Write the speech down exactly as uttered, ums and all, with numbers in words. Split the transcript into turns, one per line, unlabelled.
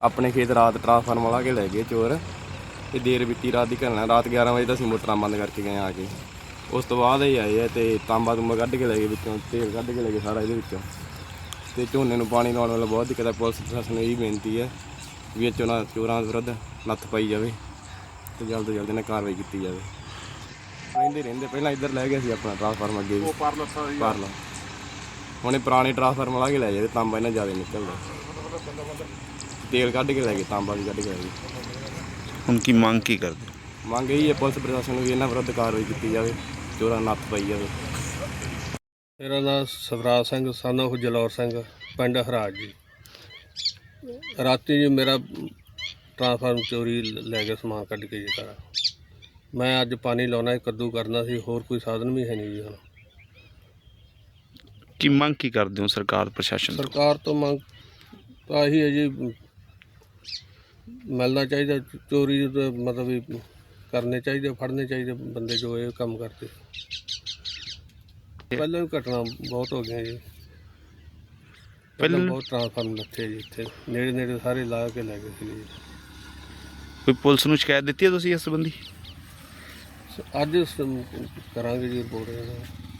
ਆਪਣੇ ਖੇਤ ਰਾਤ ਟਰਾਂਸਫਾਰਮਰ ਲਾ ਕੇ ਲੈ ਗਏ ਚੋਰ। ਤੇ ਦੇਰ ਬੀਤੀ ਰਾਤ ਦੀ ਘਟਨਾ। ਰਾਤ ਗਿਆਰਾਂ ਵਜੇ ਤਾਂ ਅਸੀਂ ਮੋਟਰਾਂ ਬੰਦ ਕਰਕੇ ਗਏ ਆ ਕੇ। ਉਸ ਤੋਂ ਬਾਅਦ ਇਹ ਆਏ ਆ ਤੇ ਤਾਂਬਾ ਤੁੰਬਾ ਕੱਢ ਕੇ ਲੈ ਗਏ ਵਿੱਚੋਂ, ਤੇਲ ਕੱਢ ਕੇ ਲੈ ਗਏ ਸਾਰਾ ਇਹਦੇ ਵਿੱਚੋਂ। ਤੇ ਝੋਨੇ ਨੂੰ ਪਾਣੀ ਲਾਉਣ ਵਾਲਾ ਬਹੁਤ ਦਿੱਕਤ ਹੈ। ਪੁਲਿਸ ਪ੍ਰਸ਼ਾਸਨ ਨੂੰ ਇਹੀ ਬੇਨਤੀ ਹੈ ਵੀ ਇਹ ਚੋਰਾਂ ਚੋਰਾਂ ਵਿਰੁੱਧ ਨੱਥ ਪਾਈ ਜਾਵੇ ਤੇ ਜਲਦ ਤੋਂ ਜਲਦ ਇਹਨਾਂ ਕਾਰਵਾਈ ਕੀਤੀ ਜਾਵੇ। ਰਹਿੰਦੇ ਰਹਿੰਦੇ ਪਹਿਲਾਂ ਇੱਧਰ ਲੈ ਗਏ ਸੀ ਆਪਣਾ ਟਰਾਂਸਫਾਰਮਰ ਅੱਗੇ ਵੀ ਪਾਰਲਾ। ਹੁਣ ਇਹ ਪੁਰਾਣੇ ਟਰਾਂਸਫਾਰਮਰ ਲਾ ਕੇ ਲੈ ਜਾਵੇ। ਤਾਂਬਾ ਇਹਨਾਂ ਜ਼ਿਆਦਾ ਨਿਕਲਦਾ। ਤੇਲ ਕੱਢ ਕੇ ਲੈ ਗਏ, ਤਾਂਬਾ ਵੀ ਕੱਢ ਕੇ ਲੈ ਗਏ।
ਹੁਣ ਕੀ ਮੰਗ ਕੀ ਕਰਦੇ?
ਮੰਗ ਇਹੀ ਹੈ ਪੁਲਿਸ ਪ੍ਰਸ਼ਾਸਨ ਨੂੰ ਵੀ ਇਹਨਾਂ ਵਿਰੁੱਧ ਕਾਰਵਾਈ ਕੀਤੀ ਜਾਵੇ, ਚੋਰਾਂ ਨੱਥ ਪਾਈ ਜਾਵੇ।
ਮੇਰਾ ਨਾਮ ਸਵਰਾਜ ਸਿੰਘ ਸਨ ਆਫ ਜਲੌਰ ਸਿੰਘ, ਪਿੰਡ ਹਰਾਜ ਜੀ। ਰਾਤੀ ਜੀ ਮੇਰਾ ਟਰਾਂਸਫਾਰਮ ਚੋਰੀ ਲੈ ਕੇ ਸਮਾਨ ਕੱਢ ਕੇ ਜੀ ਸਾਰਾ। ਮੈਂ ਅੱਜ ਪਾਣੀ ਲਾਉਣਾ, ਕੱਦੂ ਕਰਨਾ ਸੀ, ਹੋਰ ਕੋਈ ਸਾਧਨ ਵੀ ਹੈ ਨਹੀਂ ਜੀ। ਹੁਣ
ਕੀ ਮੰਗ ਕੀ ਕਰਦੇ ਹੋ ਸਰਕਾਰ ਪ੍ਰਸ਼ਾਸਨ ਤੋਂ?
ਸਰਕਾਰ ਤੋਂ ਮੰਗ ਤਾਂ ਇਹੀ ਹੈ ਜੀ, ਮਿਲਣਾ ਚਾਹੀਦਾ। ਚੋਰੀ ਦਾ ਮਤਲਬ ਵੀ ਕਰਨੇ ਚਾਹੀਦੇ, ਫੜਨੇ ਚਾਹੀਦੇ ਬੰਦੇ ਜੋ ਇਹ ਕੰਮ ਕਰਦੇ। ਪਹਿਲਾਂ ਵੀ ਘਟਨਾ ਬਹੁਤ ਹੋ ਗਈਆਂ ਜੀ। ਪਹਿਲਾਂ ਬਹੁਤ ਟਰਾਂਸਫਾਰਮ ਲੱਥੇ ਜੀ ਇੱਥੇ ਨੇੜੇ ਨੇੜੇ ਸਾਰੇ ਲਾ ਕੇ ਲੈ ਗਏ ਸੀ ਜੀ।
ਕੋਈ ਪੁਲਿਸ ਨੂੰ ਸ਼ਿਕਾਇਤ ਦਿੱਤੀ ਹੈ ਤੁਸੀਂ ਇਸ ਸੰਬੰਧੀ?
ਅੱਜ ਸ- ਕਰਾਂਗੇ ਜੀ ਰਿਪੋਰਟ।